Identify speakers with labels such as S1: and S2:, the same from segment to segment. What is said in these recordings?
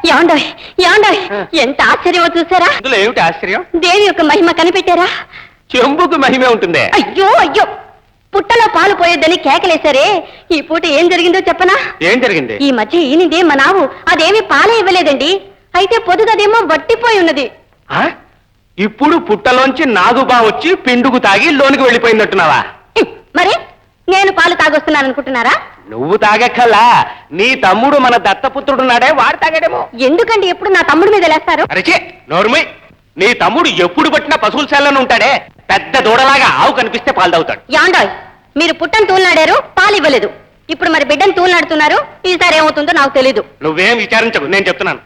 S1: యాండోయ్ యాండోయ్ ఎంత ఆశ్చర్యమో చూసారా?
S2: అందులో ఏమిటి ఆశ్చర్యం?
S1: దేవి యొక్క మహిమ కనిపెట్టారా?
S2: చెంబుకు మహిమే ఉంటుంది.
S1: అయ్యో అయ్యో, పుట్టలో పాలు పోయొద్దని కేకలేశారే, ఈ పూట ఏం జరిగిందో చెప్పనా?
S2: ఏం జరిగింది?
S1: ఈ మధ్య ఈనిదే మా నావు అదేమి పాలే ఇవ్వలేదండి. అయితే పొదుగదేమో వట్టిపోయి ఉన్నది.
S2: ఇప్పుడు పుట్టలోంచి నాగుబా వచ్చి పిండుకు తాగి లోనికి వెళ్ళిపోయిందట్టున్నావా?
S1: మరి నేను పాలు తాగొస్తున్నాను అనుకుంటున్నారా?
S2: నువ్వు తాగక్కల్లా, నీ తమ్ముడు మన దత్తపుత్రుడున్నాడే వాడు తాగాడేమో.
S1: ఎందుకండి ఎప్పుడు నా తమ్ముడి మీద లేస్తారు?
S2: అరచే నోర్మై, నీ తమ్ముడు ఎప్పుడు పట్టినా పశువుల శాలలో ఉంటాడే, పెద్ద దూడలాగా ఆవు కనిపిస్తే పాలు తాగుతాడు.
S1: యాండాయ్, మీరు పుట్టను తూలినాడారు, పాలు ఇవ్వలేదు. ఇప్పుడు మరి బిడ్డను తూలినాడుతున్నారు. ఈసారి ఏమవుతుందో నాకు తెలీదు.
S2: నువ్వేం విచారించకు, నేను చెప్తున్నాను.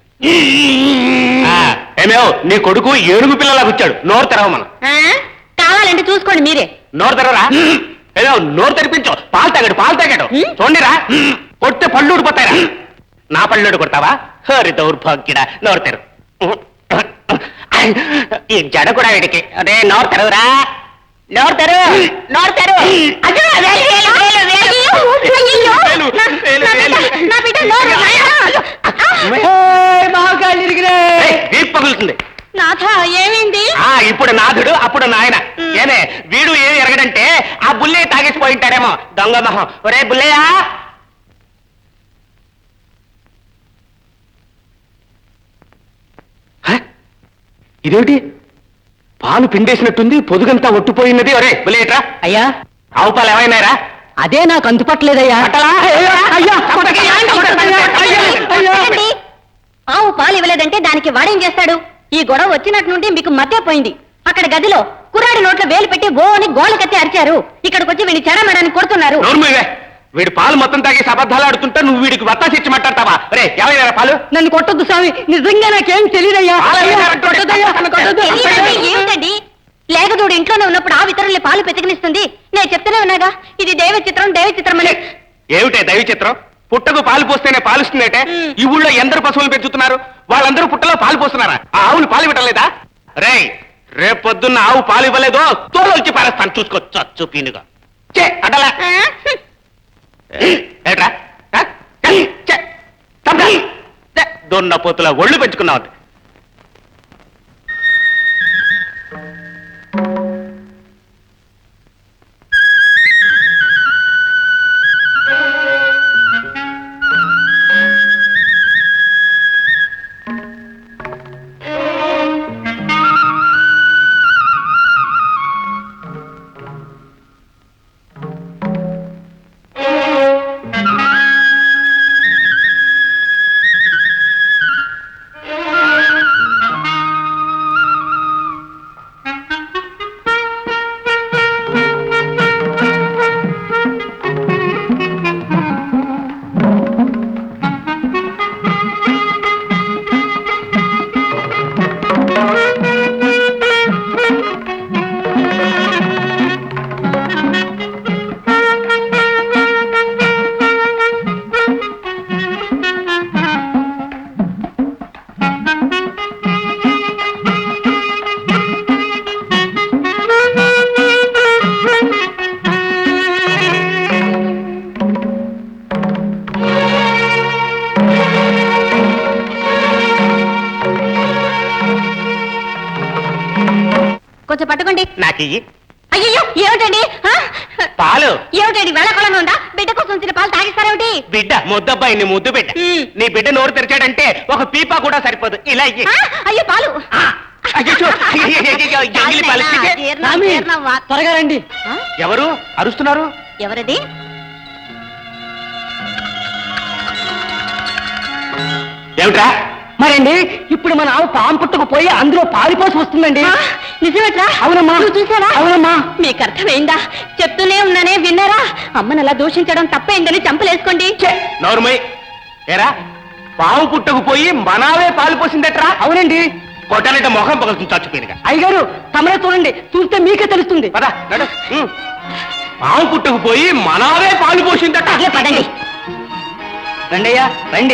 S2: ఏమేవ్, నీ కొడుకు ఏనుగు పిల్లలా కూర్చాడు. నోరు తెరవమను.
S1: కావాలంటే చూసుకోండి మీరే.
S2: నోరు తెరవరా? ఏదో నోరు తెరిపించు. పాలు తాగాడు, పాలు తాగాడు. చూడండిరా, కొట్టే పళ్ళు ఊడిపోతాయిరా. నా పళ్ళు కొడతావా? హరి దౌర్భాగ్యుడా, నోరు తెరు. ఈ జడ కూడా వీడికి. అదే నోరు తెరవురా, నోరు తెరు, నోరు తెరు. పగులుతుంది.
S1: నాథ, ఏమైంది?
S2: ఇప్పుడు నాథుడు, అప్పుడు నాయన. ఏమే వీడు ఏమి ఎరగడంటే ఆ బుల్లే తాగేసిపోయింటాడేమో, దొంగ మొహం. ఒరే బుల్లయ్యా, ఇదేమిటి పాలు పిండేసినట్టుంది, పొదుగంతా ఒట్టుపోయినది. ఒరే బుల్లేట్రా.
S3: అయ్యా,
S2: ఆవు పాలు ఏమైనారా?
S3: అదే నాకు అంతుపట్టలేదయ్యా.
S1: ఆవు పాలు ఇవ్వలేదంటే దానికి వాడేం చేస్తాడు? ఈ గొడవ వచ్చినట్టు నుండి మీకు మధ్య పోయింది. అక్కడ గదిలో కుర్రాడి నోట్లో వేలు పెట్టి ఓ అని గోల కత్తి అరిచారు. ఇక్కడికి వచ్చి వీడిని చెడమడని కొడుతున్నారు.
S2: వీడు పాలు మొత్తం తాగేసి అబద్ధాలు ఆడుతుంటే నువ్వు వీడికి వత్తాసి ఇచ్చి మాట్లాడతావా? రే ఏమైనా పాలు?
S3: నన్ను కొట్టొద్దు స్వామి, నిజంగా నాకేం తెలియదయ్యా.
S1: ఏమిటండి, లేకదోడు ఇంట్లోనే ఉన్నప్పుడు ఆ ఇతరుల్ని పాలు పెతికినిస్తుంది. నేను చెప్తూనే ఉన్నాగా, ఇది దైవ చిత్రం, దైవ చిత్రం అని.
S2: ఏమిటే దైవ చిత్రం? పుట్టకు పాలు పోస్తేనే పాలుస్తుందేటే? ఈ ఊళ్ళో ఎందరు పశువులు పెంచుతున్నారు, వాళ్ళందరూ పుట్టలో పాలు పోస్తున్నారా? ఆ ఆవులు పాలు ఇవ్వటలేదా? రే రేపు పొద్దున్న ఆవు పాలు ఇవ్వలేదో తోలు వచ్చి పారేస్తాను, చూసుకోవచ్చు పీనుగా. చే అటలా ఏట్రా, దొన్న పోతుల ఒళ్ళు పెంచుకున్నావు.
S1: కొంచెం పట్టుకోండి.
S2: నాకు
S1: అయ్యో, ఏమిటండి
S2: పాలు?
S1: ఏమిటండి వేళకోళంగా ఉందా? బిడ్డ కోసం వచ్చిన పాలు తాగిస్తారేమిటి?
S2: బిడ్డ ముద్దబ్బాయి, నీ ముద్దు బిడ్డ. నీ బిడ్డ నోరు తెరిచాడంటే ఒక పీపా కూడా సరిపోదు. ఇలా
S1: అయ్యో పాలు.
S3: త్వరగా రండి.
S2: ఎవరు అరుస్తున్నారు?
S1: ఎవరది?
S2: ఏమిట్రా?
S3: మరండి, ఇప్పుడు మన ఆవు పాము పుట్టుకు పోయి అందులో పాలిపోసి వస్తుందండి.
S1: నిజమేట్రా?
S3: అవునమ్మా.
S1: చూసారా?
S3: అవునమ్మా.
S1: మీకు అర్థమైందా? చెప్తూనే ఉన్నానే, విన్నారా? అమ్మను అలా దూషించడం తప్పైందని చంపలేసుకోండి.
S2: నోరుమై. ఏరా, పాము పుట్టకు పోయి మనావే పాలు పోసిందట్రా?
S3: అవునండి.
S2: కొట్టాలంటే మొహం పగులుతుంది చచ్చిపోయినగా.
S3: అయ్యగారు తమరే చూడండి, చూస్తే మీకే తెలుస్తుంది.
S2: పద నడు. పాము పుట్టకు పోయి మనావే పాలు పోసిందట.
S1: పదండి.
S3: రండయ్యా రండి.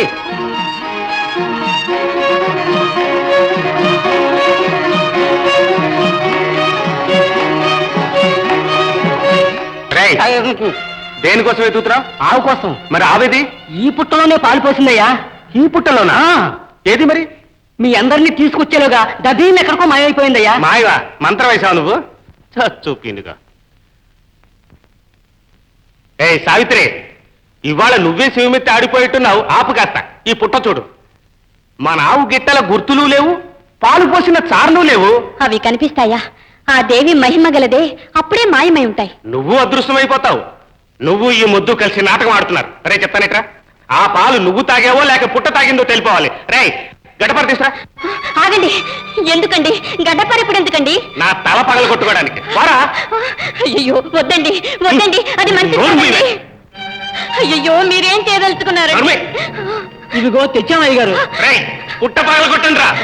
S2: దేనికోసం వెతుకుతున్నావు?
S3: ఆవు కోసం.
S2: మరి ఆవేది?
S3: ఈ పుట్టలోనే పాలు పోసిందయ్యా.
S2: ఈ పుట్టలోనా ఏది మరి
S3: మీ అందరినీ తీసుకొచ్చేలోగా దదీన్ ఎక్కడికో మాయమైపోయిందయ్యా.
S2: మాయవా మంత్రం వేసావు నువ్వు చూపినుగా. ఏయ్ సావిత్రి, ఇవాళ నువ్వే శివమెత్తి ఆడిపోయిట్టున్నావు. ఆపు కాస్త. ఈ పుట్ట చూడు. మన ఆవు గిట్టల గుర్తులు లేవు, పాలు పోసిన చార్లు లేవు.
S1: అవి కనిపిస్తాయా? ఆ దేవి మహిమ గలదే అప్పుడే మాయమై ఉంటాయి.
S2: నువ్వు అదృష్టమైపోతావు. నువ్వు ఈ ముద్దు కలిసి నాటకం ఆడుతున్నారు. రే చెప్తానేట్రా, ఆ పాలు నువ్వు తాగావో లేక పుట్ట తాగిందో తెలిపోవాలి. రే గడపర తీసురా.
S1: ఆగండి. ఎందుకండి గడ్డపార ఇప్పుడు ఎందుకండి?
S2: నా తల పగల కొట్టుకోవడానికి. వారా.
S1: అయ్యో వద్దండి వద్దండి, అది మంచిది
S2: నోరు
S1: కాదండి.
S2: మూయవే.
S1: అయ్యో మీరేం చేయదలుచుకున్నారు?
S2: నోరు మూయ్.
S3: ఇదిగో తెచ్చామయ్య గారు.
S2: రేయ్ పుట్ట పగల కొట్టండి రా.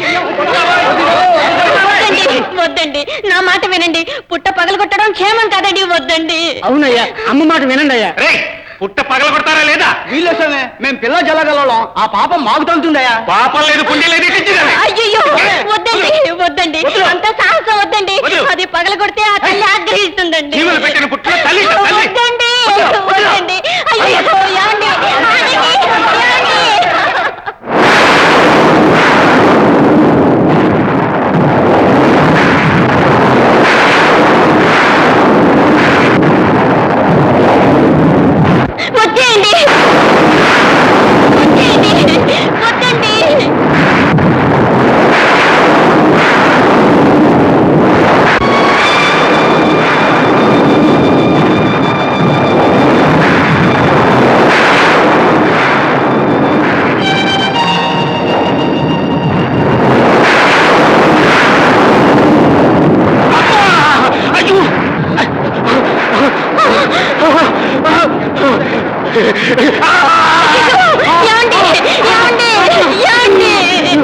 S1: వద్దండి వద్దండి, నా మాట వినండి. పుట్ట పగలు కొట్టడం క్షేమం కాదండి. వద్దండి.
S3: అవునయ్యా, అమ్మ మాట వినండి అయ్యా.
S2: రేయ్ పుట్ట పగల కొడతారా లేదా?
S3: వీళ్ళేసమే మేము పిల్ల జలగలం, ఆ పాపం మాకు తగులుతుందయ్యా.
S2: పాపం లేదు, పుణ్యం లేదు, ఇచ్చింది.
S1: అయ్యో వద్దండి వద్దండి, అంత సాహసం వద్దండి. అది పగల కొడితే ఆ తల్లి ఆగ్రహిస్తుందండి.
S2: జీవులు పెట్టిన పుట్టిన తల్లి తల్లి.
S1: వద్దండి వద్దండి. అయ్యో ఏమండి? ఆగండి.